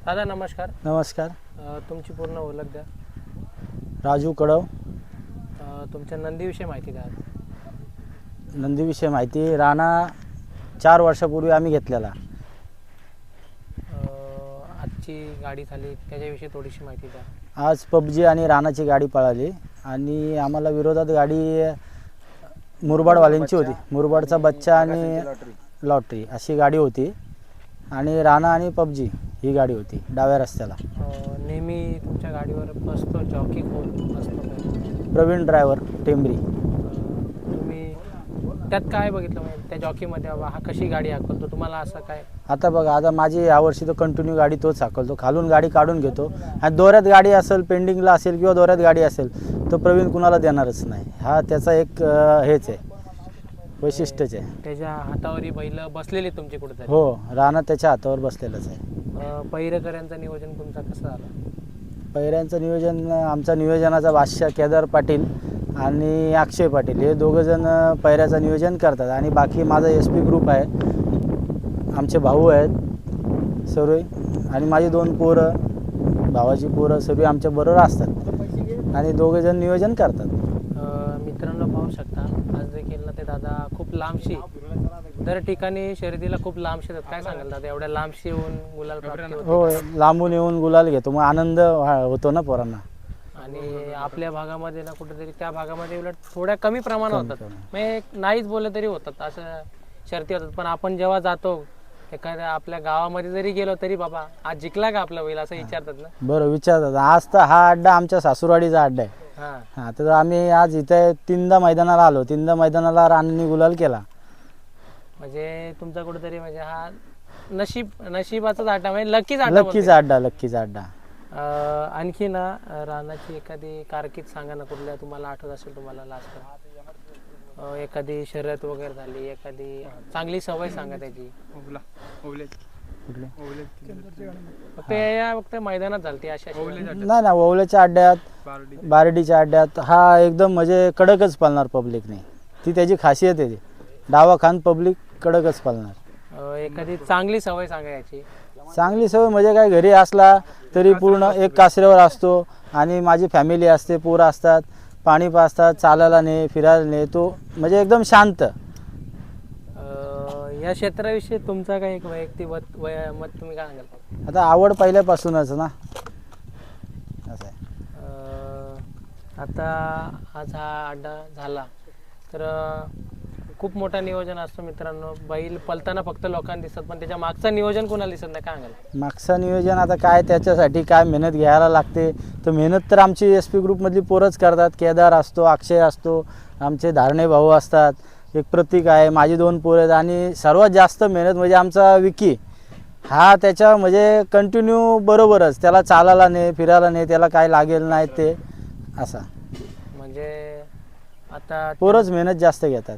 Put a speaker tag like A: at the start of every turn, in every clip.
A: दादा नमस्कार.
B: नमस्कार.
A: तुमची पूर्ण ओळख द्या.
B: राजू कडव.
A: तुमच्या नंदीविषयी माहिती द्या.
B: नंदीविषयी माहिती. राणा 4 वर्षापूर्वी आम्ही घेतलेला.
A: आजची गाडी झाली त्याच्याविषयी थोडीशी माहिती द्या.
B: आज पबजी आणि राणाची गाडी पळाली आणि आम्हाला विरोधात गाडी मुरबाडवाल्यांची होती. मुरबाडचा बच्चा आणि लॉटरी अशी गाडी होती आणि राणा आणि पबजी ही गाडी होती डाव्या रस्त्याला.
A: नेहमी तुमच्या गाडीवर बसतो जॉकी कोण असतो?
B: प्रवीण ड्रायव्हर टेंबरी.
A: तुम्ही त्यात काय बघितलं म्हणजे त्या जॉकीमध्ये हा कशी गाडी हाकलतो तुम्हाला असं काय?
B: आता बघा, आता माझी यावर्षी तो कंटिन्यू गाडी तोच हाकलतो. खालून गाडी काढून घेतो आणि दोऱ्यात गाडी असेल, पेंडिंगला असेल किंवा दोऱ्यात गाडी असेल तो प्रवीण कुणाला देणारच नाही. हा त्याचा एक हेच आहे, वैशिष्ट्यच आहे.
A: त्याच्या हातावरी बैल बसलेली तुमची कुठेतरी?
B: हो, राणा त्याच्या हातावर बसलेलंच आहे.
A: पहिरेकरांचं नियोजन तुमचं कसं झालं?
B: पहिऱ्यांचं नियोजन आमचा नियोजनाचा बादशाह केदार पाटील आणि अक्षय पाटील हे दोघंजण पहिऱ्याचं नियोजन करतात आणि बाकी माझा SP ग्रुप आहे. आमचे भाऊ आहेत सर्व आणि माझी 2 पोरं, भावाची पोरं सर्व आमच्या बरोबर असतात आणि दोघंजण नियोजन करतात.
A: मित्रांनो पाहू शकता आज देखील ना ते दादा खूप लांबशी दर ठिकाणी शर्यतीला खूप लांबशी येतात. काय सांगाल दादा, एवढ्या लांबशी येऊन गुलाल प्राप्ती होते?
B: हो, लांबून येऊन गुलाल घेतो, मग आनंद होतो ना पोरांना.
A: आणि आपल्या भागामध्ये ना कुठेतरी त्या भागामध्ये उलट थोड्या कमी प्रमाणात होतात, म्हणजे नाहीच बोललं तरी होतात असं शर्ती होतात. पण आपण जेव्हा जातो एखाद्या आपल्या गावामध्ये जरी गेलो तरी बाबा आज जिंकला का आपला बैल असं विचारतात ना.
B: बरं विचारतात. आज तर हा अड्डा आमच्या सासूरवाडीचा अड्डा आहे. हां, तर आम्ही आज इथे 3दा मैदानाला आलो. 3दा मैदानाला राणांनी गुलाल केला.
A: म्हणजे तुमचा कुठेतरी म्हणजे हा नशिबाचाच अड्डा, म्हणजे लकीचा
B: अड्डा.
A: आणखी ना रानाची एखादी कारकीर्द सांगा ना, कुठल्या तुम्हाला आठवत असेल तुम्हाला लास्ट एखादी शर्यत वगैरे झाली, एखादी चांगली सवय सांगा त्याची. फक्त मैदानात झाली अशा
B: नाही ना, ओवल्याच्या अड्ड्यात, बारडीच्या अड्ड्यात हा एकदम म्हणजे कडकच पळणार पब्लिकने. ती त्याची खासियत आहे. डावा खान पब्लिक कडकच पळणार.
A: एखादी चांगली सवय सांगा याची.
B: चांगली सवय म्हणजे काय, घरी असला तरी पूर्ण एक कासऱ्यावर असतो आणि माझी फॅमिली असते, पोरं असतात, पाणी पाजतात, चालायला ने, फिरायला ने, तो म्हणजे एकदम शांत.
A: या क्षेत्राविषयी तुमचा काही एक वैयक्तिक मत तुम्ही काय सांगाल?
B: आता आवड पहिल्यापासूनच ना, असं आहे.
A: आता आज हा अड्डा झाला तर खूप मोठा नियोजन असतो मित्रांनो. बैल पलताना फक्त लोकांना दिसतात पण त्याच्या मागचं नियोजन कोणाला दिसत नाही. काय सांगाल?
B: मागचं नियोजन आता काय, त्याच्यासाठी काय मेहनत घ्यायला लागते. तर मेहनत तर आमची SP ग्रुपमधली पोरच करतात. केदार असतो, अक्षय असतो, आमचे धारणे भाऊ असतात, एक प्रतीक आहे, माझी 2 पोरं आहेत आणि सर्वात जास्त मेहनत म्हणजे आमचा विकी. हा त्याच्या म्हणजे कंटिन्यू बरोबरच, त्याला चालायला नाही, फिरायला नाही, त्याला काय लागेल नाही ते असा.
A: म्हणजे आता
B: पोरच मेहनत जास्त घेतात.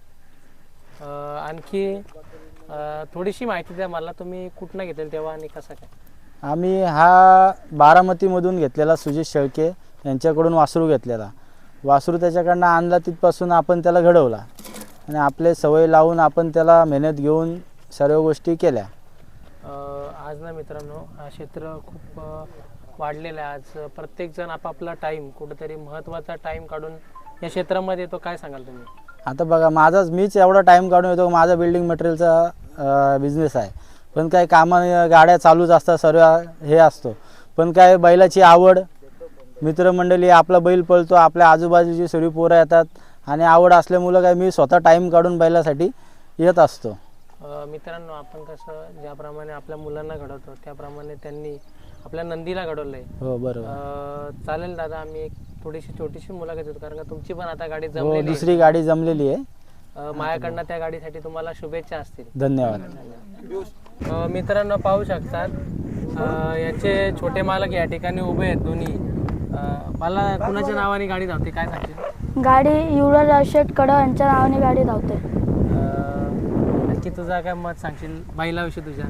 A: आणखी थोडीशी माहिती द्या मला, तुम्ही कुठनं घेतलेलं तेव्हा आणि कसं काय?
B: आम्ही हा बारामतीमधून घेतलेला, सुजित शेळके यांच्याकडून वासरू घेतलेला. वासरू त्याच्याकडनं आणला, तिथपासून आपण त्याला घडवला आणि आपले सवय लावून आपण त्याला मेहनत घेऊन सर्व गोष्टी केल्या.
A: आज ना मित्रांनो हा क्षेत्र खूप वाढलेलं आहे. आज प्रत्येकजण आपापला टाईम, कुठेतरी महत्त्वाचा टाईम काढून या क्षेत्रामध्ये येतो. काय सांगाल तुम्ही?
B: आता बघा, मीच एवढा टाईम काढून येतो. माझा बिल्डिंग मटेरियलचा बिझनेस आहे, पण काय कामाने गाड्या चालूच असतात, सर्व हे असतो. पण काय बैलाची आवड, मित्रमंडळी, आपला बैल पळतो, आपल्या आजूबाजूची सर्व पोरं येतात आणि आवड असल्यामुळं काय मी स्वतः टाईम काढून बैलासाठी येत असतो.
A: मित्रांनो आपण कसं ज्याप्रमाणे आपल्या मुलांना घडवतो त्याप्रमाणे त्यांनी आपल्या नंदीला घडवलंय.
B: हो बरोबर.
A: चालेल दादा, आम्ही एक थोडीशी छोटीशी मुलाखत देतो कारण का तुमची पण आता गाडी
B: हो,
A: जमलेली,
B: दुसरी गाडी जमलेली आहे.
A: माझ्याकडनं त्या गाडीसाठी तुम्हाला शुभेच्छा असतील.
B: धन्यवाद.
A: मित्रांनो पाहू शकतात याचे छोटे मालक या ठिकाणी उभे आहेत दोन्ही. मला कुणाच्या नावाने गाडी धावते काय सांगतील?
C: गाडी युवराज शेठ कडव यांच्या नावाने गाडी धावते.
A: नक्की तुझा काय मत सांगशील बैलाविषयी तुझ्या?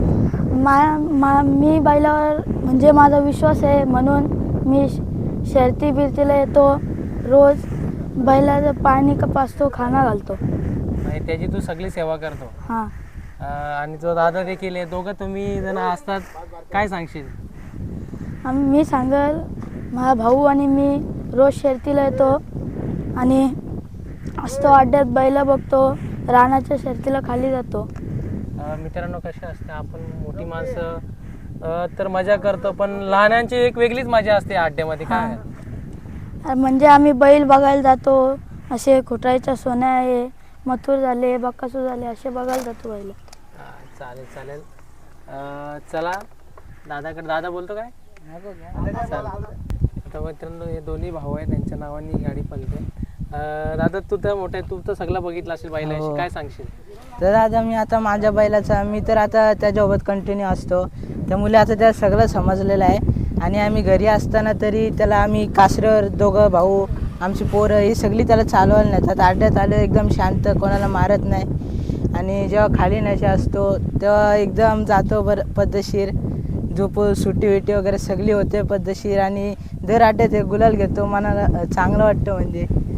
C: मी बैलावर म्हणजे माझा विश्वास आहे म्हणून मी शर्ती बिरतीला येतो. रोज बैलाचं पाणी पाजतो, खाना घालतो.
A: त्याची तू सगळी सेवा करतो.
C: हां.
A: आणि तो दादा देखील आहे. दोघं तुम्ही जण असतात, काय सांगशील?
C: मी सांगेल, माझा भाऊ आणि मी रोज शर्तीला येतो आणि असतो अड्ड्यात, बैल बघतो, रानाच्या शर्तीला खाली जातो.
A: मित्रांनो, कसे असते आपण मोठी माणसं तर मजा करतो, पण लहानांची एक वेगळीच मजा असते अड्ड्यामध्ये. काय
C: म्हणजे आम्ही बैल बघायला जातो, असे खुटायच्या सोन्या आहे, मथुर झाले, बकासूर झाले, असे बघायला जातो बैल.
A: चालेल चालेल. चला दादाकडे. दादा बोलतो काय? चालेल. आता मित्रांनो, हे दोन्ही भाऊ आहेत, त्यांच्या नावाने ही गाडी पळते. दादा, तू तर मोठा आहे, तू तर सगळं बघितलं असेल बैलाशी, काय सांगशील?
D: तर आता मी आता माझ्या बैलाचा मी तर आता त्याच्यासोबत कंटिन्यू असतो, त्यामुळे आता त्याला सगळं समजलेलं आहे. आणि आम्ही घरी असताना तरी त्याला आम्ही कासऱ्यावर दोघं भाऊ, आमची पोरं ही सगळी त्याला चालवायला नेतात. अड्ड्यात आलं एकदम शांत, कोणाला मारत नाही. आणि जेव्हा खाली नशा असतो तेव्हा एकदम जातो पद्धतशीर, झोप सुट्टी विटी वगैरे सगळी होते पद्धतशीर. आणि दर अड्ड्यात एक गुलाल घेतो, मनाला चांगलं वाटतं. म्हणजे